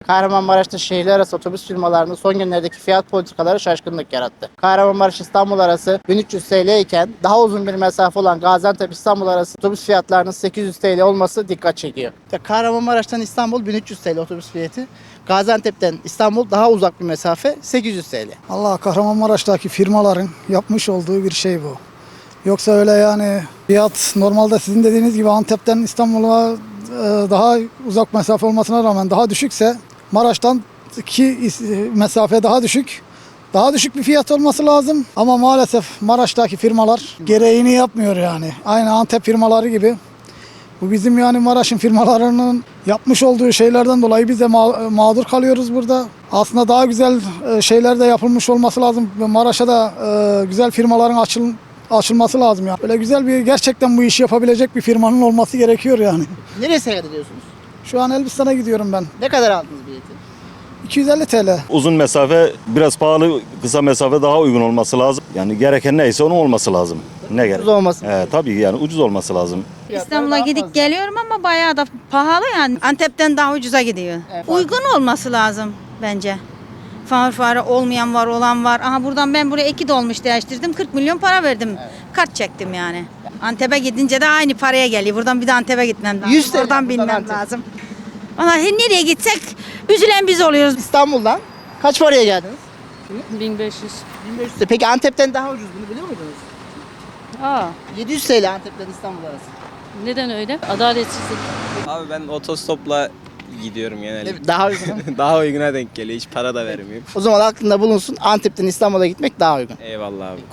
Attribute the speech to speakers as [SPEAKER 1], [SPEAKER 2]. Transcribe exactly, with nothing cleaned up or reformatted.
[SPEAKER 1] Kahramanmaraş'ta şehirler arası otobüs firmalarının son günlerdeki fiyat politikaları şaşkınlık yarattı. Kahramanmaraş-İstanbul arası bin üç yüz T L iken daha uzun bir mesafe olan Gaziantep-İstanbul arası otobüs fiyatlarının sekiz yüz T L olması dikkat çekiyor. Kahramanmaraş'tan İstanbul bin üç yüz T L otobüs fiyatı. Gaziantep'ten İstanbul daha uzak bir mesafe sekiz yüz T L.
[SPEAKER 2] Allah, Kahramanmaraş'taki firmaların yapmış olduğu bir şey bu. Yoksa öyle yani fiyat normalde sizin dediğiniz gibi Antep'ten İstanbul'a e, daha uzak mesafe olmasına rağmen daha düşükse Maraş'tan ki mesafe daha düşük. Daha düşük bir fiyat olması lazım ama maalesef Maraş'taki firmalar gereğini yapmıyor yani. Aynı Antep firmaları gibi. Bu bizim yani Maraş'ın firmalarının yapmış olduğu şeylerden dolayı biz de ma- mağdur kalıyoruz burada. Aslında daha güzel e, şeyler de yapılmış olması lazım. Maraş'a da e, güzel firmaların açıl açılması lazım yani. Böyle güzel bir gerçekten bu işi yapabilecek bir firmanın olması gerekiyor yani.
[SPEAKER 1] Nereye seyahat ediyorsunuz?
[SPEAKER 2] Şu an Elbistan'a gidiyorum ben.
[SPEAKER 1] Ne kadar aldınız bileti?
[SPEAKER 2] iki yüz elli T L.
[SPEAKER 3] Uzun mesafe biraz pahalı, kısa mesafe daha uygun olması lazım. Yani gereken neyse onun olması lazım. Ne gerek?
[SPEAKER 1] Ucuz olması.
[SPEAKER 3] Ee, tabii yani ucuz olması lazım.
[SPEAKER 4] İstanbul'a gidip geliyorum ama bayağı da pahalı yani. Antep'ten daha ucuza gidiyor.
[SPEAKER 1] Evet.
[SPEAKER 4] Uygun olması lazım bence. Far fare olmayan var, olan var. Aha buradan ben buraya iki dolmuş değiştirdim. kırk milyon para verdim. Kart çektim yani. Antep'e gidince de aynı paraya geliyor. Buradan bir de Antep'e gitmem lazım.
[SPEAKER 1] yüz T L
[SPEAKER 4] Oradan
[SPEAKER 1] buradan
[SPEAKER 4] binmem
[SPEAKER 1] Antep.
[SPEAKER 4] lazım. Valla nereye gitsek üzülen biz oluyoruz.
[SPEAKER 1] İstanbul'dan kaç paraya geldiniz?
[SPEAKER 5] bin beş yüz.
[SPEAKER 1] bin beş yüz T L. Peki Antep'ten daha ucuz, bunu biliyor muydunuz?
[SPEAKER 5] Aa,
[SPEAKER 1] yedi yüz T L Antep'ten İstanbul arası.
[SPEAKER 5] neden öyle? Adaletsizlik.
[SPEAKER 6] Abi ben otostopla gidiyorum genelde.
[SPEAKER 1] Evet, daha uygun.
[SPEAKER 6] Daha uyguna denk geliyor. Hiç para da vermiyorum.
[SPEAKER 1] O zaman aklında bulunsun, Antep'ten İstanbul'a gitmek daha uygun.
[SPEAKER 6] Eyvallah abi.